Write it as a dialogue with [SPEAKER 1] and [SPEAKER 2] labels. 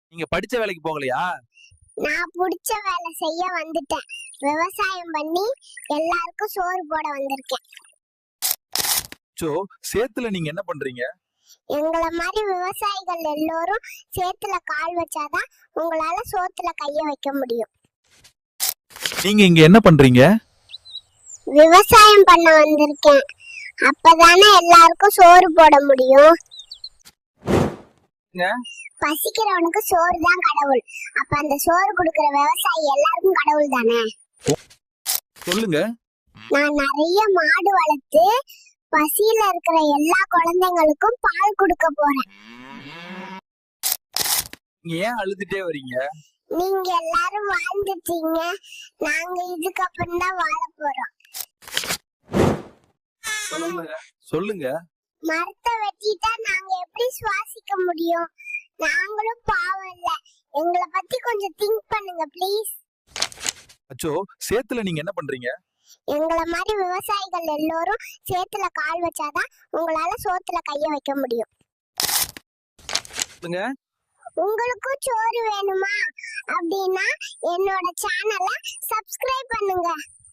[SPEAKER 1] நீங்க படிச்ச வேலைக்கு போகலையா?
[SPEAKER 2] நான் புடிச்ச வேலை செய்ய வந்துட்டேன். விவசாயம் பண்ணி எல்லாருக்கும் சோறு போட வந்திருக்கேன்.
[SPEAKER 1] சோ சேத்துல நீங்க என்ன பண்றீங்க?
[SPEAKER 2] எங்கள மாதிரி விவசாயிகள் எல்லோரும் சேத்துல கால் வச்சாதான் உங்களால சோத்துல கைய வைக்க முடியும்.
[SPEAKER 1] நீங்க இங்க என்ன பண்றீங்க?
[SPEAKER 2] விவசாயம் பண்ண வந்திருக்கேன். அப்பதானே எல்லாருக்கும் சோறு போட முடியும். பசிக்கிறவனுக்கு சோறு தான் கடவுள். அப்ப அந்த சோறு கொடுக்கிற விவசாயி எல்லாருக்கும் கடவுள் தானே.
[SPEAKER 1] சொல்லுங்க.
[SPEAKER 2] நான் நிறைய மாடு வளர்த்து பசியில இருக்கிற எல்லா குழந்தைங்களுக்கும் பால் கொடுக்க போறேன்.
[SPEAKER 1] நீங்க ஏன் அழுதுட்டே வரீங்க?
[SPEAKER 2] நீங்க எல்லாரும் வாழ்ந்துட்டீங்க, நாங்க இதுக்கப்புறம் தான் வாழ போறோம்.
[SPEAKER 1] சொல்லுங்க.
[SPEAKER 2] மரத்தை வெட்டிட்டா நாங்க எப்படி சுவாசிக்க முடியும்? நாங்களும் பாவம் இல்ல, எங்களை பத்தி கொஞ்சம் திங்க் பண்ணுங்க ப்ளீஸ்.
[SPEAKER 1] அச்சோ சேத்துல நீங்க என்ன பண்றீங்க?
[SPEAKER 2] எங்கள மாதிரி விவசாயிகள் எல்லோரும் சேத்துல கால் வச்சாதான் உங்களால சோத்துல கைய வைக்க முடியும். உங்களுக்கும் சோறு வேணுமா அப்படின்னா என்னோட சேனலை சப்ஸ்கிரைப் பண்ணுங்க.